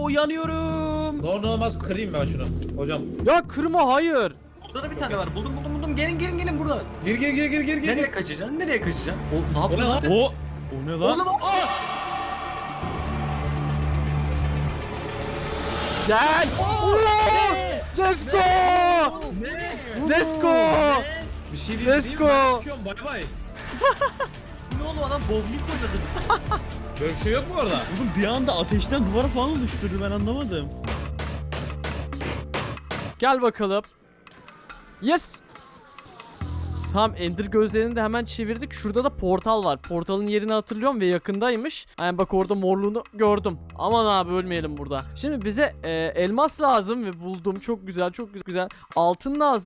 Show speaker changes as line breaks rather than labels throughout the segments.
Oo yanıyorum.
Ne olmaz kırayım ben şunu. Hocam.
Ya kırma, hayır.
Burada da bir tane var. Buldum. Gelin burada.
Gir.
Nereye kaçacaksın? O ne
O ne
yapıyor?
lan?
O ne lan?
Oğlum
Gel. Oo! Let's go. Let's go.
Bir şey değil.
Let's
değil mi?
go.
Ben çıkıyorum bay bay.
ne oğlum adam bowling oynadı.
Böyle bir şey yok mu orada?
Oğlum bir anda ateşten duvara falan oluşturdu, ben anlamadım.
Gel bakalım. Yes. Tamam, Ender gözlerini de hemen çevirdik. Şurada da portal var. Portalın yerini hatırlıyorum ve yakındaymış. Yani bak orada morluğunu gördüm. Aman abi ölmeyelim burada. Şimdi bize elmas lazım ve buldum. Çok güzel, çok güzel. Altın lazım.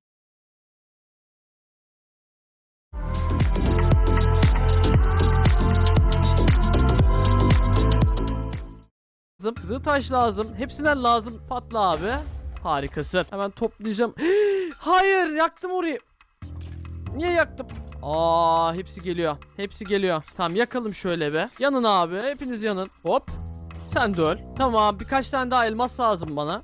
Kızıl taş lazım. Hepsinden lazım. Patla abi. Harikasın. Hemen toplayacağım. Hayır, yaktım orayı. Niye yaktım? Aa, hepsi geliyor. Hepsi geliyor. Tamam, yakalım şöyle be. Yanın abi. Hepiniz yanın. Hop. Sen de öl. Tamam, birkaç tane daha elmas lazım bana.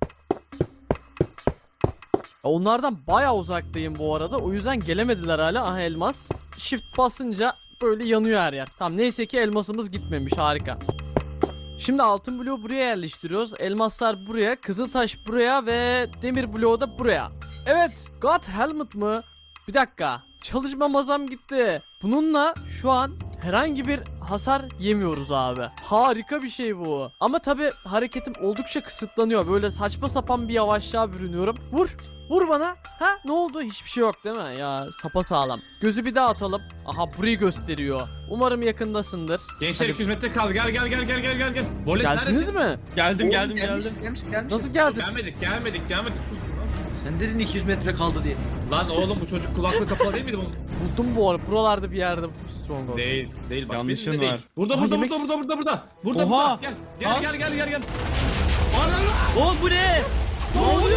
Onlardan bayağı uzaktayım bu arada. O yüzden gelemediler hala. Aha, elmas. Shift basınca böyle yanıyor her yer. Tamam, neyse ki elmasımız gitmemiş. Harika. Şimdi altın bloğu buraya yerleştiriyoruz. Elmaslar buraya, kızıltaş buraya ve demir bloğu da buraya. Evet, God Helmet mı? Bir dakika. Çalışma masam gitti. Bununla şu an herhangi bir hasar yemiyoruz abi. Harika bir şey bu. Ama tabi hareketim oldukça kısıtlanıyor. Böyle saçma sapan bir yavaşlığa bürünüyorum. Vur. Vur bana. Ha, ne oldu? Hiçbir şey yok değil mi? Ya sapasağlam. Gözü bir daha atalım. Aha, burayı gösteriyor. Umarım yakındasındır.
Gençler
Hadi.
200 metre kaldı. Gel. Boles
Geldiniz
neredesin?
mi?
Geldim.
Gelmiş.
Nasıl geldin?
Gelmedik. Sus.
Sen dedin 200 metre kaldı diye.
Lan oğlum bu çocuk kulaklığı kapalı değil miydi bunun?
Buldum bu arada. Buralarda bir yerde Stronghold.
Değil bak.
Yanlışın
bizde
var.
değil. Burada.
Aha, yemek-
Burada.
Oha!
Gel.
Oo bu ne?
Ne oluyor?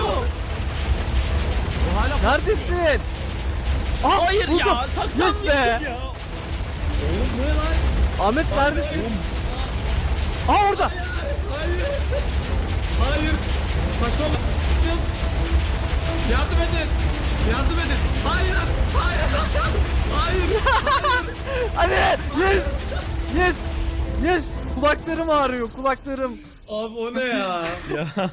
O hala
Neredesin? Aa,
Hayır
buldum.
ya, saklanmıştım
Yes be.
ya.
Oğlum bu ne lan?
Ahmet neredesin? Aa, orada.
Hayır. Kaçmam. Sıkıştım. Yardım edin. Hayır.
Hadi. Yes. Kulaklarım ağrıyor, kulaklarım.
Abi o ne ya?
Ya.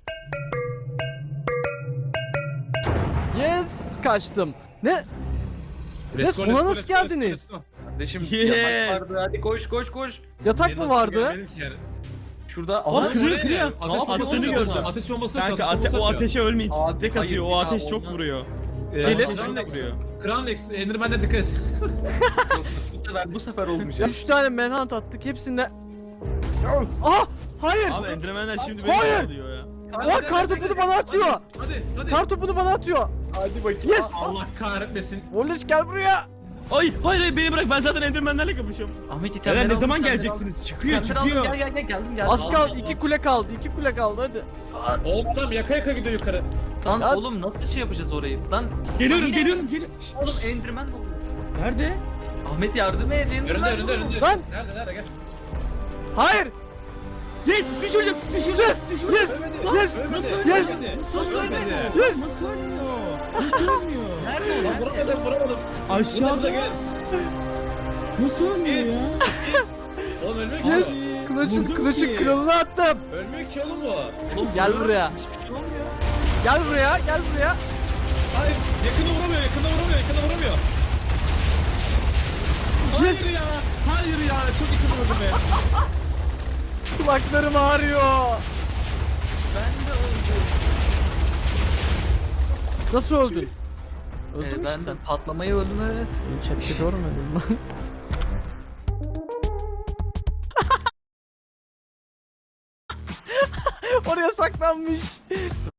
Yes, kaçtım. Ne? Sona nasıl geldiniz?
Kardeşim
Yes.
yatak vardı. Hadi koş.
Yatak mı vardı?
Şurada
Aa, kırıyor.
Ateş
Aa,
bombası
attığını
atıyor.
gördüm.
Ateş bombası
Kanka
atıyor.
o ateşe ölmeyin.
Abi,
Tek
hayır,
atıyor. O
bir daha
ateş çok
olmaz.
vuruyor.
Gelin.
Çok vuruyor.
Crown X, Enderman'den dikkat et.
bu sefer olmayacak.
3 tane manhunt attık, hepsinde. Ah, hayır.
Abi Enderman'ler şimdi
Hayır.
beni alıyor ya.
Aa, kartopunu bana atıyor.
Hadi.
Kartopunu bana atıyor.
Hadi bakayım.
Yes.
Allah kahretmesin.
Volleş, gel buraya.
Hayır beni bırak, ben zaten Enderman'lerle kapışıyorum.
Ahmet itemleri
Eren ne
aldım,
zaman
itemleri
geleceksiniz? Çıkıyor.
aldım. Gel geldim.
Az
Allah
kaldı,
Allah.
2 kule kaldı, 2 kule kaldı, hadi.
Oğlum adam yaka gidiyor yukarı.
Lan
Ya-
oğlum nasıl şey yapacağız orayı? Lan
Geliyorum.
oğlum Enderman oldu.
Nerede?
Ahmet yardım et. Enderman
Önünde.
oğlum.
Lan.
Nerede gel.
Hayır.
Yes! Düşürdüm!
Yes. Yes. Yes.
Ölmedi.
Yes.
Nasıl ölmedi?
Yes.
Nasıl ölmüyor? Nasıl ölmüyor?
Nerede o?
Lan vuramadım.
Aşağıda.
Gel.
Nasıl ölmüyor ya?
Oğlum ölmüyor ki
Yes.
o.
Kılıçın
Vurdum ki.
kralını attım.
Ölmüyor ki oğlum bu.
Oğlum,
Gel
vuruyorum,
buraya.
Hiçbir şey olmuyor.
Gel buraya, gel buraya.
Hayır. Yakında vuramıyor.
Yes.
Hayır ya. Çok yakın vurdu be.
Kulaklarım ağrıyor.
Ben de öldüm.
Nasıl öldün? Öldüm
Ben
işte.
de patlamayı öldüm evet.
Chatte görmedim ben. Oraya saklanmış.